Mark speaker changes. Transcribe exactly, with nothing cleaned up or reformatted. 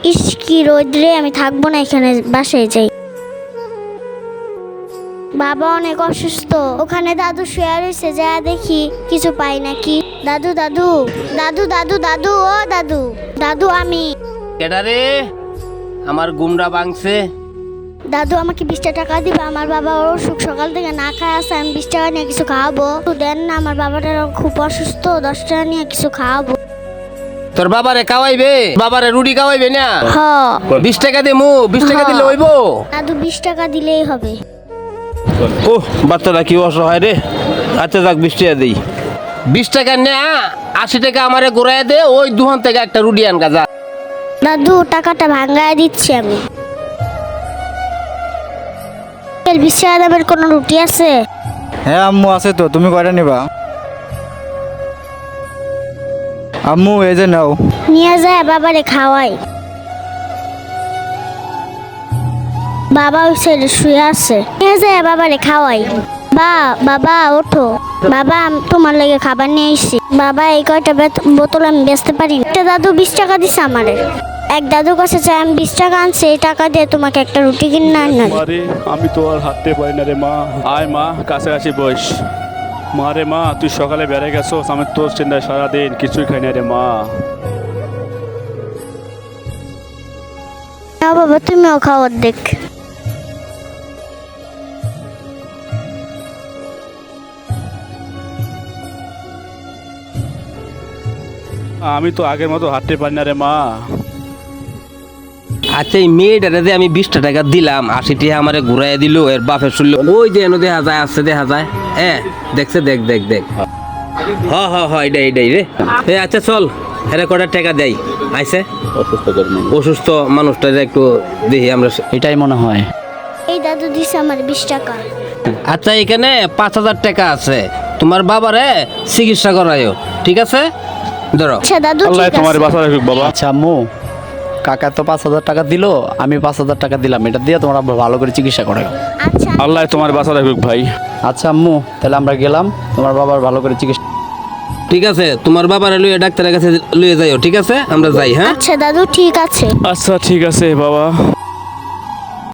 Speaker 1: ইস কি রোদ্রে, আমি থাকবো না এখানে, বাসায় যাই। বাবা অনেক অসুস্থ, ওখানে দাদু শুয়ে রয়েছে, যা দেখি কিছু পাই নাকি। দাদু দাদু দাদু দাদু দাদু ও দাদু দাদু আমি
Speaker 2: কেডারে আমার গুমরা ভাঙছে।
Speaker 1: দাদু আমাকে বিশটা টাকা দিবে, আমার বাবা অসুখ, সকাল থেকে না খায় আছে, আমি বিশ টাকা নিয়ে কিছু খাওয়াবো। একটু দেন না, আমার বাবাটা খুব অসুস্থ, দশ টাকা নিয়ে কিছু খাওয়াবো।
Speaker 2: তোর বাবারে খাওয়াইবে, বাবারে রুটি খাওয়াইবে না?
Speaker 1: হ
Speaker 2: বিশ টাকা দে মু, বিশ টাকা দিলে হইব।
Speaker 1: দাদু বিশ টাকা দিলেই হবে।
Speaker 2: ও বাচ্চাটা কি অসহায় রে। আচ্ছা যাক বিশ টাকা দিই। বিশ টাকা না, আশি টাকা আমারে ঘুরাই দে, ওই দুহান থেকে একটা রুটি আন গাজা।
Speaker 1: দাদু টাকাটা ভাঙ্গায় দিচ্ছি আমি। বিশ টাকা দামের কোনো রুটি আছে?
Speaker 3: হ্যাঁ আম্মু আছে তো, তুমি কয়টা নিবা? আম্মু এই যে নাও।
Speaker 1: নিয়ে যায় বাবারে খাওয়াই। বাবা ওই সাইডে শুয়ে আছে, নিয়ে যায় বাবারে খাওয়াই। বা বাবা ওঠো, বাবা আমি তোমার লাগে খাবার নিয়ে এসেছি। বাবা এই কয়টা বেত- বোতল আমি বেচতে পারি না। একটা দাদু বিশ টাকা দিছে আমারে। এক দাদুর কাছে চাই, আমি বিশ টাকা আনছি, এই টাকা দিয়ে তোমাকে একটা রুটি কিনে আন।
Speaker 4: মারে আমি তো আর হাঁটতে পারি না রে মা। আয় মা কাছাকাছি বস। মা রে মা, তুই সকালে বেড়ে গেছোস, আমি তোর চিন্তায় সারাদিন কিছুই খাই না রে মা।
Speaker 1: না বাবা, তুমিও খাও অর্ধেক।
Speaker 4: আমি তো আগের মতো হাঁটতে পারি না রে মা।
Speaker 2: আচ্ছা এই মেয়েটারে যে আমি বিশটা টাকা দিলাম, আশি টাকা আমারে ঘুরাই দিল, এর বাপের শুনলো ওই যে এনে দেখা যায়, আসছে দেখা যায়। হ্যাঁ দেখছে, দেখ দেখ দেখ। হ হ হ এটাই এটাই রে। এ আচ্ছা চল, এরা কটা টাকা দেয় আইসে। অসুস্থ মানুষটা একটু দেখি আমরা।
Speaker 5: এটাই মনে হয়।
Speaker 1: এই দাদু দিছে আমার বিশ টাকা।
Speaker 2: আচ্ছা এখানে পাঁচ হাজার টাকা আছে, তোমার বাবারে চিকিৎসা করায়ও, ঠিক আছে? ধরো।
Speaker 1: আচ্ছা দাদু
Speaker 4: আল্লাহ
Speaker 1: ঠিক
Speaker 4: তোমার
Speaker 1: আছে।
Speaker 4: বাসা রাখুক বাবা।
Speaker 5: আচ্ছা আম্মু, কাকা তো পাঁচ হাজার টাকা দিল, আমি পাঁচ হাজার টাকা দিলাম, এটা দিয়ে তোমরা ভালো করে চিকিৎসা করো।
Speaker 1: আচ্ছা
Speaker 4: আল্লাহ তোমার বাসা রাখুক ভাই।
Speaker 5: আচ্ছা আম্মু, তাহলে আমরা গেলাম, তোমার বাবার ভালো করে চিকিৎসা।
Speaker 2: ঠিক আছে, তোমার বাবারে লইয়ে ডাক্তারের কাছে লইয়ে যাইও, ঠিক আছে? আমরা যাই। হ্যাঁ
Speaker 1: আচ্ছা দাদু ঠিক আছে।
Speaker 4: আচ্ছা ঠিক আছে বাবা।